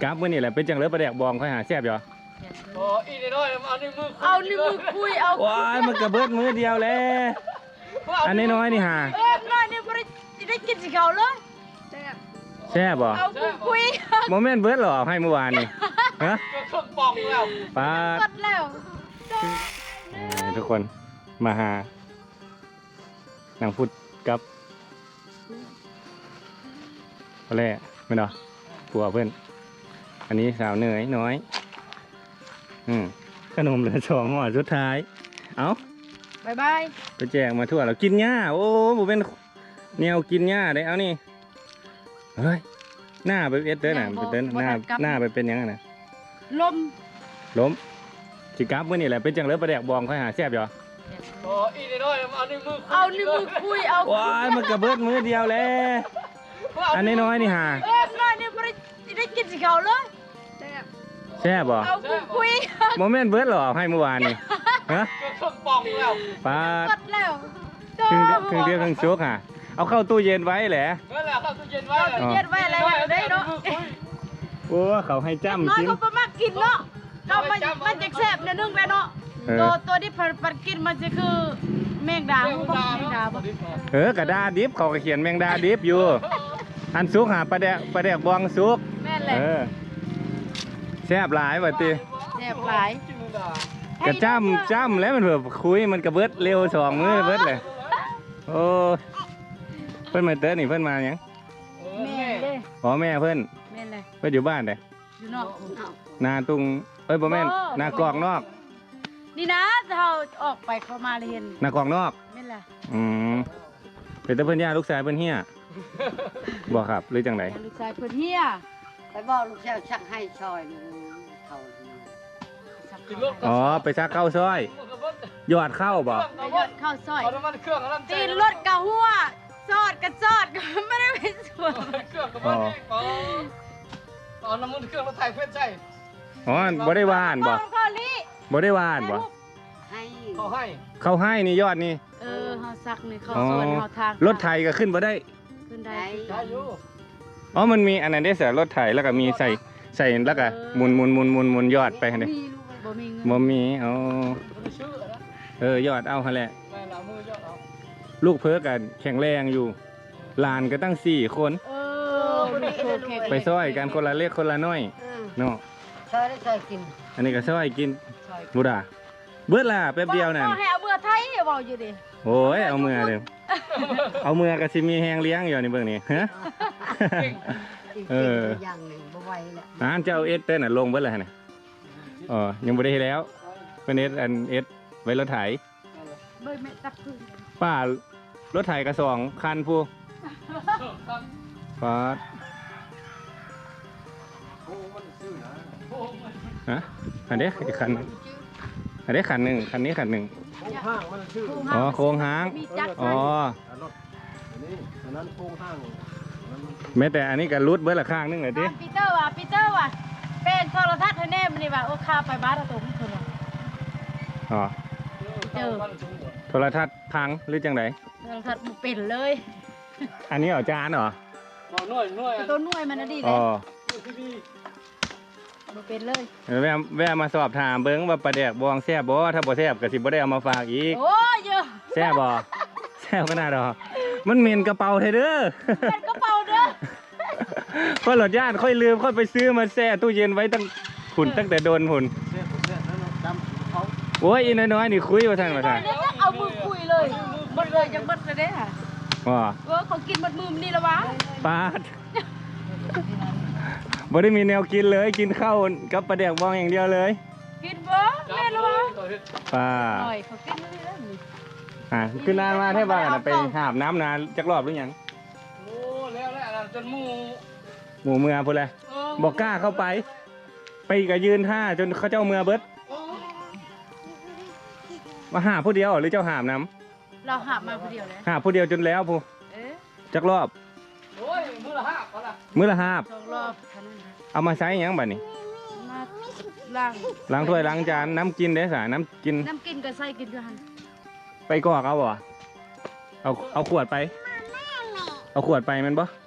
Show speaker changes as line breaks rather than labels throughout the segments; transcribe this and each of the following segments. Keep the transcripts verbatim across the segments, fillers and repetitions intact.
กราฟมื่อนี่แหละเป็นจังเลยประแดกบองค่อยหาแซ่บอยู่
โอ้อีน้อยเอาในมือ
เอาในมือคุยเอา
ว้ายมันกระเบิดมือเดียวแล้วอันนี้น้อยนี่หา
เออน้อยนี่ไม่ได้กินสิเขาเลย
แซ่บบ่
เอาคุย
โมเมนต์เบิร์ดหรอให้เมื่อวานนี่ฮะ
เครื่องปองแล้ว
ปา
ดแล้ว
ทุกคนมาหาหนังพุดกับอะไรไม่เนาะผัวเพื่อนอันนี้สาวเหนื่อยน้อยอืมขนมเหลือสองห่อสุดท้ายเอา
บายบาย
ไปแจกมาทั่วแล้วกินหญ้าโอ้ผมเป็นแนวกินหญ้าได้เอานี่เฮ้ยหน้าไปเอ็ดเต้นน่ะไปเต้นหน้าหน้าไปเป็นยังไงนะ
ล้ม
ล้มสิกราฟมื่อนี่แหละเป็นจังเลยประแดกบองค่อยหาแซ่บอยู่
โอ้อีน้อยเอาในมือ
เอาในมือคุยเอา
ว้ายมันกระเบิดมือเดียวแล้วอันนี้น้อยนี่หา
เออน้อยนี่ไม่ได้กินสิเขาเลย
แซ่บบ่
เอาคุย
โมเมนต์เบิร์ดหรอให้เมื่อวานนี่ฮะ
เครื่องปองแล้ว
ปา
ดแล้ว
ครึ่งครึ่งเดียวครึ่งซุกอ่ะเอาเข้าตู้เย็นไว้แหละ
นั่นแหละเข้าตู้เย็นไว้
ตู้เย็นไว้อะไรได้เนาะ
โอ้เขาให้จ้ำ
กินน้อยเขาประมากินเนาะเขามันมันจะแซ่บเนื้อนึ่งเลยเนาะตัวตัวที่ปัดกินมันจะคือแมงดาแมงดาบ่
เออกระดาดิบเขาก็เขียนแมงดาดิบอยู่อันซุกหาปลาแดกปลาแดกบองซุก
แม่นเลย
แซ่บหลายว่ะตี
แซ่บหลาย
กระจ้ำจ้ำแล้วมันเผื่อคุยมันกระเบิดเร็วสองมือเบิดเลยโอ้เพื่อนมาเต้นี่เพื่อนมาอย่าง
แม่เลย
อ๋อแม่เพื่อน
แม่เลย
เพื่อนอยู่บ้านเลย
อยู่นอก
นาตุงเอ้ยบ่แม่นนากรองนอก
นี่นะเราออกไปเข้ามาเลยเห็น
นากรองนอก
แม่นแหละ
อืมเป็นแต่เพื่อนย่าลูกชายเพื่อนเฮียบอกครับหรือจังไหน
ลูกชายเพื่อนเฮีย
ไปบอกลูกชายชักให้ซอยเขา
อ๋อไปซักข้าวซอยหยอดข้าวบ่
หยอดข้าวซอยตีนรถกะหัวซอดกระซอดก็ไม่ได้เป็นส่วน
เครื่องกับมันอ๋อน้ำมันเครื่องรถไถเพื่อนใช่
อ๋อบ่ได้วานบ่บ่ได้วานบ่
ให้เขาให้
เขาให้นี่ยอดนี่
เออเขาซักนี่เขาส่วนเขาทาง
รถไถก็ขึ้นบ่ได้
ขึ้นได้ได้
อยู่
อ๋อมันมีอันนั้นได้เสียรถไถแล้วก็มีใส่ใส่แล้วก็หมุนหมุนหมุนหมุนหมุนยอดไปเด้
บ่มีเงิน
บ่มีอ๋อเออยอดเอาหั่นแหละลูกเพิ่นกันแข็งแรงอยู่หลานก็ตั้งสี่คน
เออ
ไปซอยกันคนละเล็กคนละน้อยเนาะ
ซอยได้ซอยกิน
อันนี้ก็ซอยกินบุดาเบิดล่ะแป๊บเดียวนั่น
ให้เอาเมื่อไทยเว้าอยู่ดิ
โอ้ยเอาเมื่อเด้อเอาเมื่อก็สิมีแฮงเลี้ยงอยู่นี่เบิ่งนี่ฮะเออ
อย่างนึงบ่ไหวแล้ว
อ่านเจ้าเอสเต้นน่ะลงเบิดแล้วน่ะอ๋อยังบ่ได้แล้วเป็นเอสอันเอสไว้รถไถ
เบิ่งแม่ตักคือ
ป้ารถไถก็สองคันผู้ป้าฮะอันนี้อีกคันอันนี้คันหนึ่งคันนี้คันหนึ่งอ๋อโค้งหางอ๋อแม้แต่อันนี้ก็รุดเบิร์ละข้างนึงเลยดิ
ปีเตอร์ว่ะปีเตอร์ว่ะเป็นโทรทัศน์แน่มันนี่ว่ะโอ้ข้าไปบ้านเราตรงนี้คนละ
อ๋อ
เจอ
โทรทัศน์พังหรือจังได
โทรทัศน์มันเป็นเลย
อันนี้เหรอจานเหรอ
หน่วยหน่วย
ตัวหน่วยมันดีเลยเป็นเลย
แวะแวะมาสอบถามเบิ้งว่าปลาแดกบองแซ่บบ่ถ้าบ่แซ่บก็สิบ่ได้เอามาฝากอีก
โอ้ยเยอะ
แซ่บบ่แซ่บขนาดดอกมันเหม็นกระเป๋าเธอเด้อ
เป็นกระเป๋าเด้อ
ค่อยหลดย่านค่อยลืมค่อยไปซื้อมาแช่ตู้เย็นไว้ตั้งหุ่นตั้งแต่โดนหุ่นโอ้ยอีน้อยๆนี่คุยมาทางมาทาง
เอามือคุยเลยหมดเลยยังหมดเลยเด้ค่ะ
อ๋อ
เออเขากินหมดมือนี่แล้ววะ
ปาดบ่ได้มีแนวกินเลยกินข้าวกับปลาแดกบองอย่างเดียวเลย
กินบ่แม่รู้
ป่า
หน่อยเขากินเลยแล้ว
อ่าขึ้นนานมาแท่บ้านไปหาบน้ำนานจักรอบหรือยัง
โอ้แล้วแหละจนหมู
หมูเมือพูดเลยบอกกล้าเข้าไปไปกับยืนท่าจนเขาเจ้าเมือเบิดมาหาผู้เดียวหรือเจ้าหาบน้
ำเราหาบมาผู้เดียวเลย
หาผู้เดียวจนแล้วผู้จักรอบ
มือละห้าบ
มือละห้าบ
รอบ
เอามาใช้ยังบ่นี่
ล้าง
ล้างถ้วยล้างจานน้ำกินได้สาน้ำกิน
น้ำกินก็ใส่กินด้วยกัน
ไปกอกเอาบ่เอาเอาขวดไปเอาขวดไปมันบ่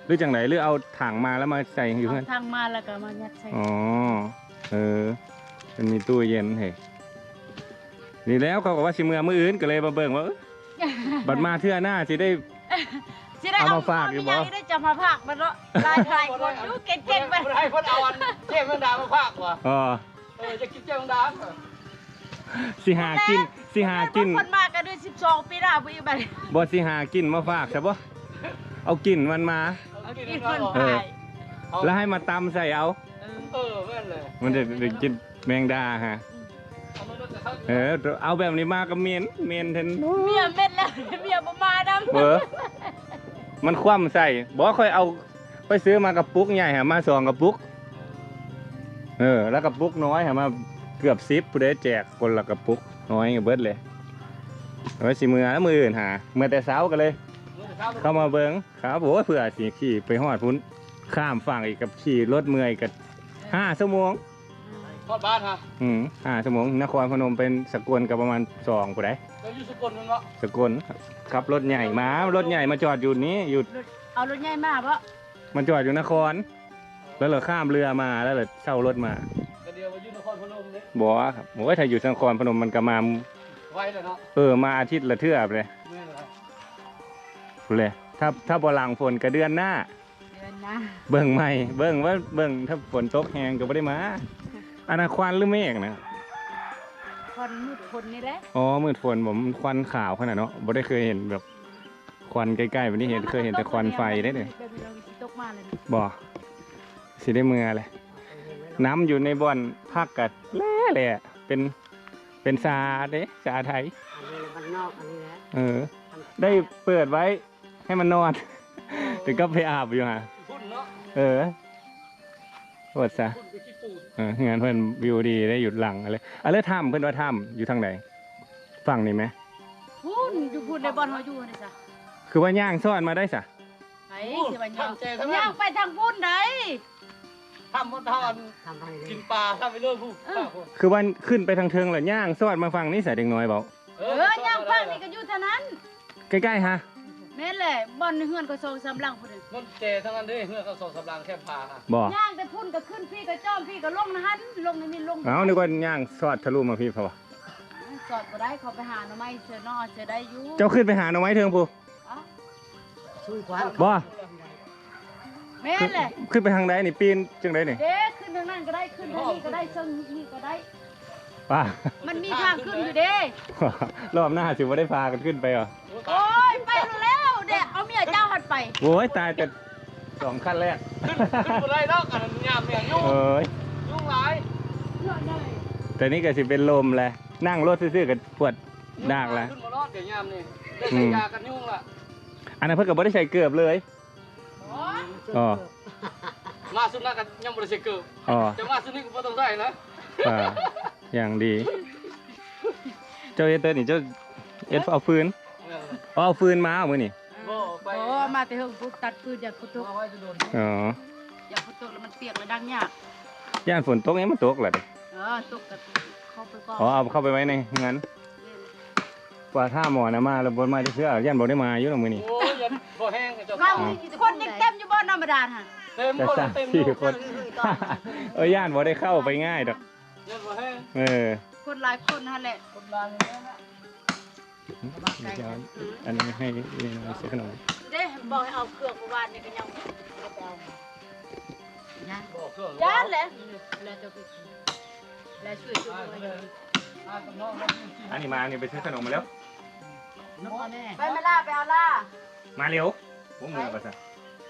รือจังไหนหรือเอาถังมาแล้วมาใส่อยู่
เอา
เพื่อน
ทางมาแล้วก็มายัดใส่
อ๋อเออมันมีตู้เย็นเฮ้ยนี่แล้วเขาก็ว่าสิเมื่อมื้ออื่นก็เลยมาเบิ่งว่าเอ้ยบัดมาเทื่อหน้าสิได้
สิได้
เอา
เอา
มาฝากอยู่บ่
เได้จะมาฝากมันเนาะหลายหลายคนอยู่เก่งๆไป
บ่ได้เพิ่นเอาอันเทพแมงดามาพากว่ะ
อ๋อ
เออจะกินเจ้าแมงดา
สิหากินสิหากิน
คนมากันด้วยสิบสองปีหน้าบ่อีกบัด
บ่สิหากินมาฝากใช่ปะเอากินมันมา
เอากินเพิ่น
เออ
ขาย
แล้วให้มาตำใส่เอา
เออแม่นเลย
มันจะได้กินแมงดาฮะ
เอามาลดแต่เขา
เออเอาแบบนี้มาก็เมนเมนเทน
เมียเม็ดแล้วเมียบ่มาดำ
เบอมันคว่ำใส่บอกค่อยเอาไปซื้อมากระปุกใหญ่ฮะมาสองกระปุกเออแล้วกระปุกน้อยฮะมาเกือบซิปผู้ใดแจกคนละกระปุกน้อยกับเบิดเลยเอาไว้สิมือแล้วมืออื่นหาเมื่อแต่เช้ากันเลย เข้ามาเบิ้งครับโอ้ยเผื่อสีขี่ไปหอดพุ้นข้ามฝั่งอีกกับขี่รถเมื่อยกับห้าชั่วโมง
ทอดบ้านฮะ
อืมห้าชั่วโมงนครพนมเป็นสกลกับประมาณสองผู้ใด
แล้วอยู่สกลมันวะ
สกลขับรถใหญ่มารถใหญ่มาจอดอยู่นี้อยู่
เอารถใหญ่มาบ่
มันจอดอยู่นคร แล้วเราข้ามเรือมาแล้วเราเช่ารถมา
ก็เดียวมาอยู่นครพนมนี่
บอกว่าครับโอ้ยถ้าอยู่นครพนมมันก็มา
ไว้เลยเนาะ
เออมาอาทิตย์ละเทื่อไปเลย
แม่นเลย
พูดเลยถ้าถ้าบ่หลังฝนก็เดือนหน้า
เดือนนะ
เบิ่งใหม่เบิ่งว่าเบิ่งถ้าฝนตกแหงก็ไม่ได้มาอนาควันหรือเมฆนะ
คนมืดคนนี่แหละ
อ๋อมืดฝนผมควันขาวขนาดเนาะบ่ได้เคยเห็นแบบควันใกล้ๆวันนี้เห็นเคยเห็นแต่ควันไฟได้เลย
แบบนี้เราสิตกมาเลยนะ
บ่สิได้เมือเลยน้ำอยู่ในบ่อนพักกัดแล่เลยอะเป็นเป็นซาเด้ซาไทย
อันนี้มันนอกอันนี้นะ
เออ ได้เปิดไว้ให้มันนอน ถึงก็ไปอาบอยู่ฮะ
พุ่นเนาะ
เออโอดซะ
พุ่นไปขี้ปูน
เอองานเพื่อนวิวดีได้หยุดหลังอะไรอะไรถ้ำเพื่อนว่าถ้ำอยู่ทางไหนฝั่งนี้ไหม
พูนอยู่พูนในบ่อนเฮาอยู่นี่ซะ
คือว่าย่างซ่อนมาได้สะ
ไปสิว่าย่างย่างไปทางพูนได้
ทำมันทอน
ทำไปเลย
กินปลาทำไปเรื่อยผู้ข้าวคน
คือว่าขึ้นไปทางเทิงแล้วย่างซ่อนมาฝั่งนี้ใส่เด็กน้อยเบา
เออย่างฟังนี่ก็อยู่เท่านั้น
ใกล้ๆฮะ
แม่นแหละบ่อนเฮือนก็สองสามหลังพุ่น
มันเจทั้งนั้นเด้เพื่อเขาส่งสำรางแค่ปลาฮะ
บ่
ย่างแต่พุ่นก็ขึ้นพี่ก็จ้อมพี่ก็ลงนะฮันลงนี่มีลง
เอานึกว่าย่างซอดทะลุมาพี่เขาวะ
สอดบ่ได้เขาไปหาหน่อไม้เสือนอเสือได้อยู่
เจ้าขึ้นไปหาหน่อไม้เทิงผู้
อ๋อ
ช่วยกวาน
บ่
แม่นแหละ
ขึ้นไปทางใดนี่ปีนจังไดนี่
เด้ขึ้นทางนั้นก็ได้ขึ้นทางนี้ก็ได้ซึ่งนี่ก็ได้
ป้า
มันมีทางขึ้นอยู่เด้
รอบหน้าสิว่าได้พากันขึ้นไปเหรอ
โอ้ยไปแล้วเด็กเอาเมียเจ้าหัดไป
โว้ยตายแต่สองขั้นแรก
ขึ้นขึ้นบนไรเนาะอันนั้นยามเนี่ยยุ่ง
เอ้ย
ยุ่งหลาย
แต่นี่ก็สิเป็นลมแหละนั่งรถซื่อๆกับปวดดากแล้ว
ขึ้นมารอดเดี๋ยวยามนี่ได้ใช้ยากันยุ่งละ
อันนั้นเพิ่นก็บ่ได้ใส่เกือบเลย อ๋อ
มาสุนัขกันยังบริสุทธิ์เกิด
อ๋อ
จะมาสุนัขก็ต้องใส่นะ
อ่าอย่างดี เจ้าเอเตอร์นี่เจ้าเอ็ดเอาฟืนอ๋อเอาฟืนมาเอามือนี่
บ่ไป
โอ้มาแต่เฮิงปุ๊บตัดปืนอย่าพุตก
เอาไว้จะโดน
อ๋อ
อย่าพุตกแล้วมันเปียกแล้วดังยาก
ย่านฝนตกนี่มันตกแหละดิ
เออตกกับเข้าไปก่อน
อ๋อเอาเข้าไปไว้ในงั้นกว่าท่าหมอนะมาแล้วบนมาที่เสื้อย่านบอกได้มาอยู่เนาะมือนี่
โอ้ยยันบ่แห้งเจ้า
เราคนยังเต็มอยู่บ่ธรรมดาฮะ
เต็ม
แต่
คน
สาม
เต็ม
สี่
ลูก
คน เออย่านบอกได้เข้าไปง่ายดอก
ยันบ่แห้ง
เออ
คนหลายคนฮะแหละ
คนลางอย่างนี้นะ
เดี๋ยวอันนี้ให้เรียนเอาเสียขนม
เด้บอกให้เอาเครื่องเมื่อวานนี่ก็ยังบ่ไปเอา
นะ
บ่เครื่อง
ย่านแหละแล้วจะไปแล้วช่วยช่วย
อ่ากับน้องน้อง
อันนี้มาอันนี้ไปซื้อขนมมาแล้ว
นกแม่
ไปมาล่าไปเอาล่า
มาเร็วผมมือภาษา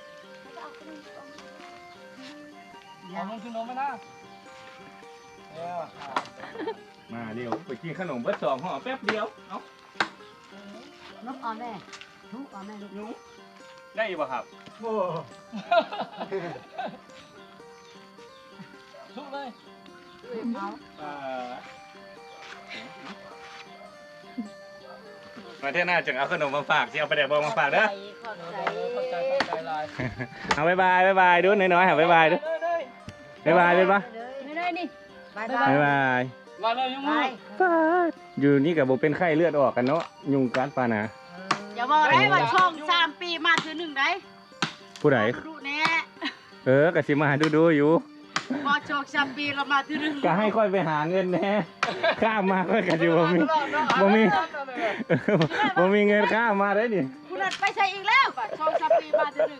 เอาลงขึ้นนมไหมนะเออ
มาเร็วไปกินขนมเบิดสองห่อแป๊บเดียวเอ้าน
กเอาแม่ทุกเอาแม่ลูก
หนูได้ป่ะครับโอ้
ทุกเลย
เอา
อ่ามาเท่าหน้าจึงเอาขนมมาฝากสิเอาไปแดกบองมาฝากเด้อ
ขอบใจ
เข้าใจเข้าใจลาย
เอาบายบายบายบายดูน้อยๆค่ะบายบายดูบายบายบายบาย
ไม่ได้นี่
บาย
บายบาย
มาเลยยุ่ง
บา
มื
ย
อ
อยู่นี่กับโบเป็นไข้เลือดออกกันเนาะยุงกัดปานะ
อย่าบอกได้ว่าช่องสามปีมาถือหนึ่งได้
ผู้ใด
ดูแน่
เออกะสิมาหาดูดูๆอยู่
พอโชคชับปีเรามาที่นึง
ก็ให้ค่อยไปหาเงินแหน่ข้ามมาค่อยกะสิบ่มีบ่มีบ่มีเงินข้ามมาได้นี่
คุณนัดไปใช้อีกแล้วป่ะโชคชับปีมาที่นึง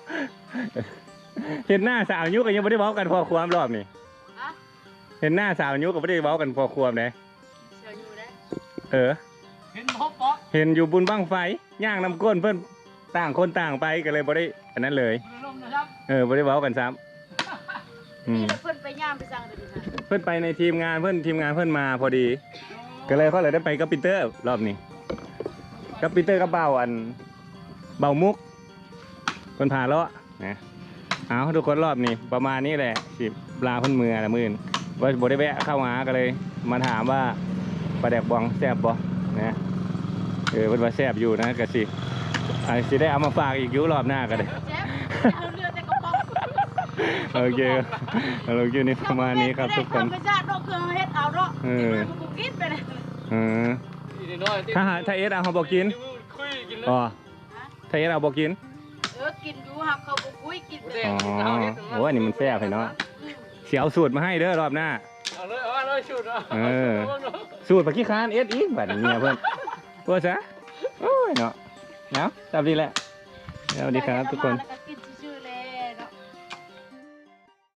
เห็นหน้าสาวยุก็ยังบ่ได้เว้ากันพอความรอบนี่
ฮะ
เห็นหน้าสาวยุก็บ่ได้เว้ากันพอความเด้
เชื่ออยู่ได้
เออ
เห็นพบปะ
เห็นอยู่บุญบั้งไฟย่างน้ำก้นเพิ่นต่างคนต่างไปก็เลยบ่ได้อันนั้นเลย
คุณลมนะครับ
เออบ่ได้เว้ากันซ้ำอื
นี่
ม
เราเพิ่นไปย่ามไปสั่งเลยนะ
เพิ่นไปในทีมงานเพิ่นทีมงานเพิ่นมาพอดี ก็เลยเขาเลยได้ไปกับปีเตอร์รอบนี้กับปีเตอร์กับเบาอันเบามุกเพิ่นพาเลาะนะเอาทุกคนรอบนี้ประมาณนี้แหละสิปลาเพิ่นมือละมื่นว่าบ่ได้แวะเข้าหาก็เลย มาถามว่าปลาแดกบองแซ่บบ่นะเออเพิ่นว่าแซ่บอยู่นะก็สิอาจสิได้เอามาฝากอีกอยู่รอบหน้าก็ได้
เจ๊เอาเรือแต่กระป๋อง
โอเคโอเคนี่ประมาณนี้ครับทุกคน
ไม่ใช่ดอกเครื่องเฮ็ดเอาเนาะ
เออ
มันกูกินไปเลย
เออ ถ้าหาถ้าเอสเอาเขาบอกกิน
คุยกินเลย
อ๋อถ้าเอสเอาบอกกิน
เออกินอยู่หักเขาบ่คุยกินไปเลย
อ๋อโอ้อันนี้มันแซ่บเลยเนาะเสียเอาสูตรมาให้เด้อรอบหน้า
เอาเลยเอาเลยชุดอ่ะ
เออ สูตรปากขี้คานเอสอีกแบบนี้เพื่อนเพื่อซะโอ้ยเนาะเนาะจับดีแหละสวัสดีครับทุกคน
แล้วก็